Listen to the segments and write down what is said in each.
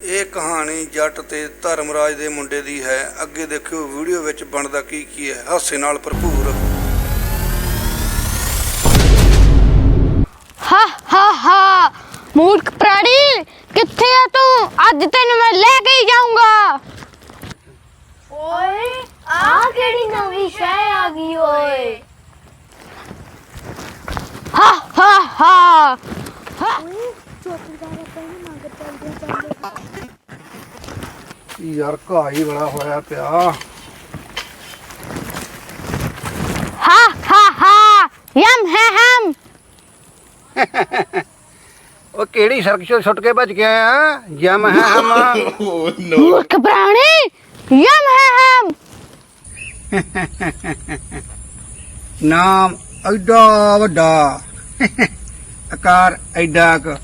ਇਹ ਕਹਾਣੀ ਜੱਟ ਤੇ ਧਰਮਰਾਜ ਦੇ ਮੁੰਡੇ ਦੀ ਹੈ। ਅੱਗੇ ਦੇਖਿਓ ਵੀਡੀਓ ਵਿੱਚ ਬਣਦਾ ਕੀ ਹੈ। ਹਾਸੇ ਨਾਲ ਭਰਪੂਰ। ਹਾ ਹਾ ਹਾ ਮੂਰਖ ਪ੍ਰਾਣੀ, ਕਿੱਥੇ ਆ ਤੂੰ? ਅੱਜ ਤੈਨੂੰ ਮੈਂ ਲੈ ਕੇ ਹੀ ਜਾਊਂਗਾ। ਓਏ ਆ ਕਿਹੜੀ ਨਵੀਂ ਸ਼ੈ ਆ ਗਈ ਓਏ। ਹਾ ਹਾ ਹਾ यार घाह ही बड़ा होया पिया। हा हा हा यम है हम। ओ केड़ी सड़क से छुट के बच गया है? यम है हम। मूर्ख प्राणी, यम है हम। नाम एडा वड्डा, आकार एडा क।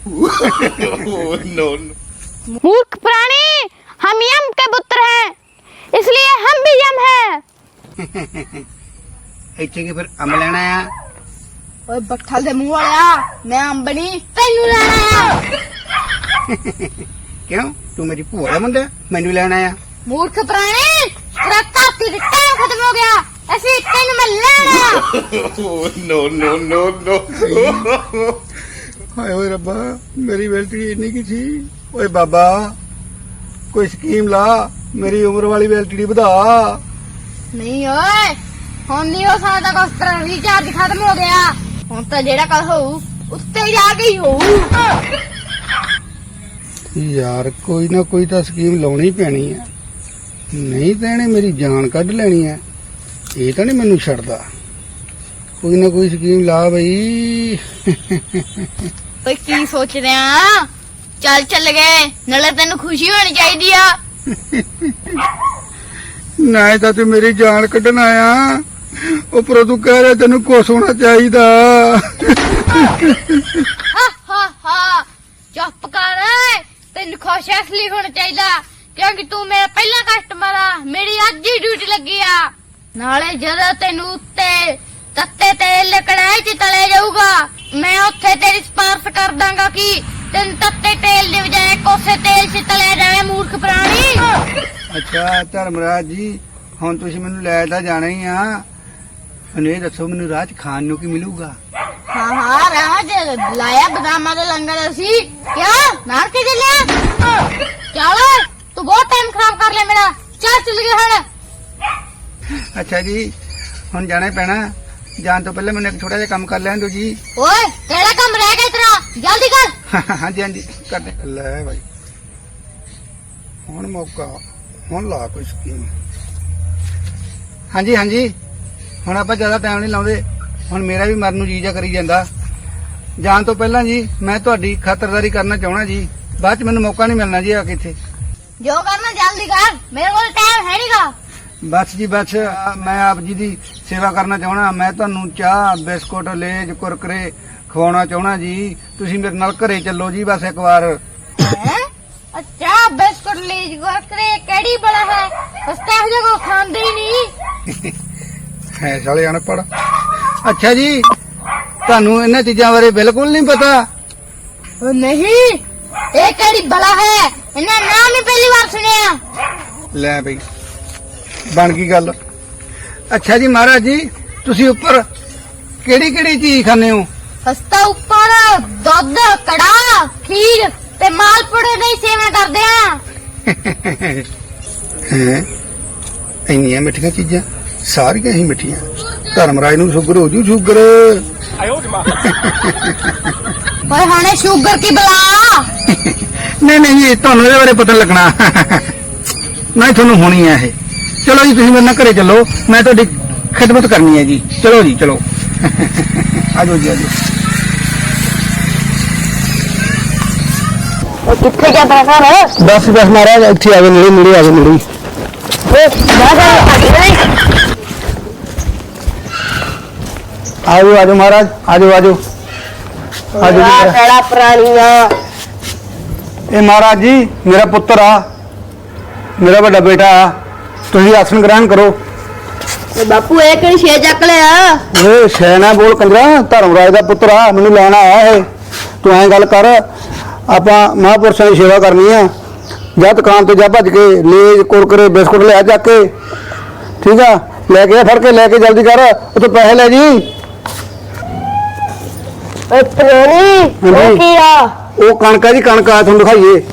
मूर्ख प्राणी, हम यम के पुत्र हैं, इसलिए हम भी यम हैं। इतने की फिर अम्ब लेना है। ਓਏ ਬੱਠਲ ਦੇ ਮੂੰਹ ਵਾਲਿਆ, ਮੈਂ ਅੰਬਣੀ ਤੈਨੂੰ ਲੈਣਾ ਆ। क्यों तू मेरी भूआ दा मुंडा, मैनू लेना है। ਮੂਰਖ ਪ੍ਰਾਣੀ, ਤੇਰਾ ਧਰਤੀ ਦਾ ਟਾਈਮ ਖਤਮ ਹੋ ਗਿਆ, ਅਸੀਂ ਤੈਨੂੰ ਮੈਂ ਲੈਣਾ ਆ। हाय ओए रब्बा, मेरी वैल्टी इन्नी की थी। ओए बाबा कोई स्कीम ला, मेरी उम्र वाली वैल्टी बढ़ा। ਨਹੀਂ ਓਏ, ਹੁਣ ਨਹੀਂ ਹੋ ਸਕਦਾ ਕੁਛ, ਤੇਰਾ ਰੀਚਾਰਜ ਖਤਮ ਹੋ ਗਿਆ। ਹੁਣ ਤਾਂ ਜਿਹੜਾ ਕੱਲ ਹੋਊ ਉੱਤੇ ਜਾ ਕੇ ਹੀ ਹੋਊ। यार कोई ना कोई तो स्कीम लानी पैनी है, नहीं तो इन्हें मेरी जान कढ़ लेनी है। ये तो नहीं मैनू छड्डदा। कोई ना कोई स्कीम ला बई। ਓਏ ਕੀ ਸੋਚਦੇ ਆ? ਚੱਲ ਗਏ, ਨਾਲੇ ਤੈਨੂੰ ਖੁਸ਼ੀ ਹੋਣੀ ਚਾਹੀਦੀ ਆ। ना तो तू मेरी जान कढ़न आया, उपरों तू कह रहा तेन कुछ होना चाहिए। ਹਾ ਹਾ ਹਾ ਚੁੱਪ ਕਰ, ਤੈਨੂੰ ਖੁਸ਼ ਇਸ ਲਈ ਹੋਣਾ ਚਾਹੀਦਾ ਕਿਉਂਕਿ ਤੂੰ ਮੇਰਾ ਪਹਿਲਾ ਕਸਟਮਰ ਆ, ਮੇਰੀ ਅੱਜ ਹੀ ਡਿਊਟੀ ਲੱਗੀ ਆ। ਨਾਲੇ ਜਦੋਂ ਤੈਨੂੰ ਉੱਤੇ ਤੱਤੇ ਤੇਲ ਕੜਾਈ ਚ ਤਲੇ ਜਾਊਗਾ, ਮੈਂ ਉੱਥੇ ਤੇਰੀ ਸਪਾਰਸ਼ ਕਰ ਦਾਂਗਾ ਕਿ ਤੈਨੂੰ ਤੱਤੇ ਤੇਲ ਦੀ ਬਜਾਏ ਕੋਸੇ ਤੇਲ ਚ ਤਲਿਆ ਜਾਵੇ। ਮੂਰਖ ਪ੍ਰਾਣੀ। अच्छा धर्मराज जी, हुण तुसीं मैनू लै तां जाना ही आ, हुण ये दसो मैनू राह च खाण नूं की मिलूगा? ਹਾਂ ਰਾਹ ਚ ਲਾਇਆ ਬਦਾਮਾਂ ਦਾ ਲੰਗਰ ਅਸੀਂ। ਕਿਆ ਨਾਰ ਕੇ ਚੱਲਿਆ? ਚੱਲ, ਤੂੰ ਬਹੁਤ ਟਾਈਮ ਖਰਾਬ ਕਰ ਲਿਆ ਮੇਰਾ। ਚੱਲ ਗਏ ਹੁਣ। अच्छा जी, हुण जाना ही पैना। जान तो पहले मैंने एक छोटा जिहा काम कर लैण दो जी। ਓਏ ਕਿਹੜਾ ਕੰਮ ਰਹਿ ਗਿਆ ਤੇਰਾ? ਜਲਦੀ ਕਰ। हाँ जी हाँ जी, कर दे। लै भाई हुण मौका, हुण ला कोई स्कीम। हाँ जी, हुण आपां ज़्यादा टाइम नहीं लाउंदे, हुण मेरा भी मरन नूं जी जा करी जांदा। जान तो पहला जी मैं तुहाडी खातरदारी करना चाहना जी, बाद च मैनूं मौका नहीं मिलना जी आके इत्थे। ਜੋ ਕਰਨਾ ਜਲਦੀ ਕਰ, ਮੇਰੇ ਕੋਲ ਟਾਈਮ ਹੈ ਨਹੀਂਗਾ। बस जी बस, मैं आप जी दी सेवा करना चाहना। मैं तुहानूं चाह बिस्कुट लेज कुरकुरे खवाउणा चाहना जी। तुसीं मेरे नाल घरे चलो जी बस एक बार। अच्छा बिस्कुट लीज कुरकुरे केड़ी बड़ा है, सस्ता हो जाएगा, खांदे ही नहीं है साले अनपढ़। अच्छा जी, तुहानूं इन्हां चीज़ां बारे बिल्कुल नहीं पता? ओ नहीं, ये केड़ी बला है, इन्हें नाम ही पहली बार सुनिया। ले बई बन गई गल। अच्छा जी महाराज जी, तुसीं उपर केड़ी केड़ी चीज खाने हो? सस्ता ऊपर दुध कड़ा खीर ते मालपुड़े दी सेवा करदे आ। हैं इन्नियां मिठियां चीजां, सारियां ही मिठियां। धर्मराज नूं शुगर हो जू, शुगर। ओए हाने शुगर की बला। नहीं ये तुहानूं इहदे बारे पता लगना। नहीं तुहानूं होनी है ये। चलो जी तुसीं मेरे नाल घरे चलो, मैं तुहाडी खिदमत करनी है जी। चलो जी चलो। आजो जी आजो। कितने क्या पैसा है? बस महाराज इत्थे आवे, नेड़े आवे, नेड़े। आजो आजो महाराज, आजो प्राणिया ये महाराज जी मेरा पुत्र आ, मेरा बड़ा बेटा आ। तुसीं आसन ग्रहण करो। बापू ये केड़ी छे चक लिया? ए शैना बोल कंजरा, धर्मराज दा पुत्र आ, मैनूं लैण आया है। तू ऐ गल कर, ਆਪਾਂ ਮਹਾਂਪੁਰਸ਼ਾਂ ਦੀ ਸੇਵਾ ਕਰਨੀ ਆ, ਜਾ ਦੁਕਾਨ ਤੇ ਜਾ ਭੱਜ ਕੇ ਲੇਜ ਕੁਰਕਰੇ ਬਿਸਕੁਟ ਲੈ ਚੱਕ ਕੇ ਠੀਕ ਆ ਲੈ ਕੇ ਆ ਫੜ ਕੇ ਲੈ ਕੇ ਜਲਦੀ ਕਰ ਉੱਥੇ ਪੈਸੇ ਲੈ ਜੀ ਪ੍ਰਾणी ਹਾਂਜੀ। ਕੀ ਆ ਉਹ ਕਣਕ ਆ ਜੀ ਕਣਕ ਆ ਤੁਹਾਨੂੰ ਦਿਖਾਈਏ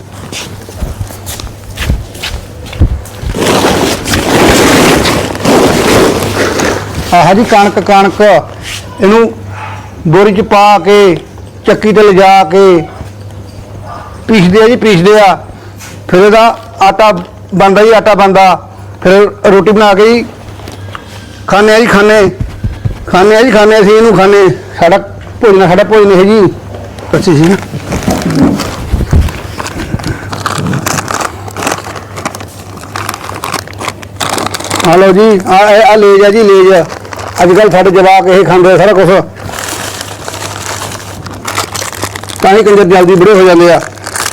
ਆਹ ਜੀ ਕਣਕ ਕਣਕ ਇਹਨੂੰ ਬੋਰੀ ਚ ਪਾ ਕੇ ਚੱਕੀ ਤੇ ਲਿਜਾ ਕੇ ਪੀਸਦੇ ਆ ਜੀ ਪੀਸਦੇ ਆ ਫਿਰ ਇਹਦਾ ਆਟਾ ਬਣਦਾ ਜੀ ਆਟਾ ਬਣਦਾ ਫਿਰ ਰੋਟੀ ਬਣਾ ਕੇ ਜੀ ਖਾਣੇ ਆ ਜੀ ਖਾਣੇ ਆ ਜੀ ਖਾਣੇ ਅਸੀਂ ਇਹਨੂੰ ਖਾਣੇ ਸਾਡਾ ਭੋਜਨ ਹੈ ਜੀ ਅੱਛੀ ਸੀ ਨਾ ਆ ਲਓ ਜੀ ਆ ਲੇਜ ਆ ਜੀ ਲੇਜ ਅੱਜ ਕੱਲ ਸਾਡੇ ਜਵਾਕ ਇਹ ਖਾਂਦੇ ਆ ਸਾਰਾ ਕੁਝ ਤਾਂ ਹੀ ਕੰਜਰ ਜਲਦੀ ਬੁੜੇ ਹੋ ਜਾਂਦੇ ਆ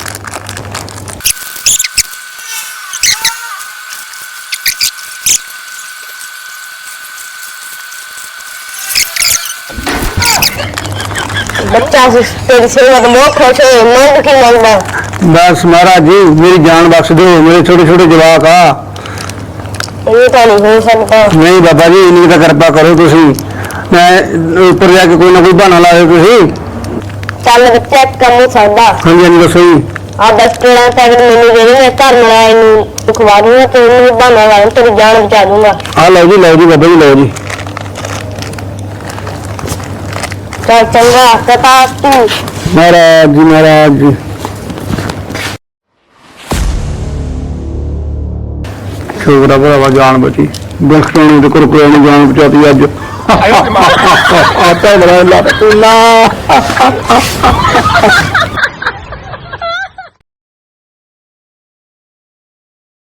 बच्चा से तेरी सेवा तो बहुत खुश है मांग की मांगना बस महाराज जी मेरी जान बख्श दो मेरे छोटे छोटे जवाक आ ये तो नहीं हो सकता नहीं बाबा जी इन्हीं का कृपा करो तुसी मैं ऊपर जाके कोई ना कोई बहाना ला दो तुसी चल चेक कर नहीं सकता हाँ जी दसो जी आ 10 13 पैकेट मैंने दे देंगे घर मिलाया इन्हें खवा दूंगा तो इन्हें बहाना ला तेरी जान बचा दूंगा हाँ लो जी बाबा जी लो जी चल चंगा कथा तू महाराज जी छोकरा भरावा जान बची बिस्कुटाने ते कुरकुरे ने जान बचाती अज आता बड़ा ला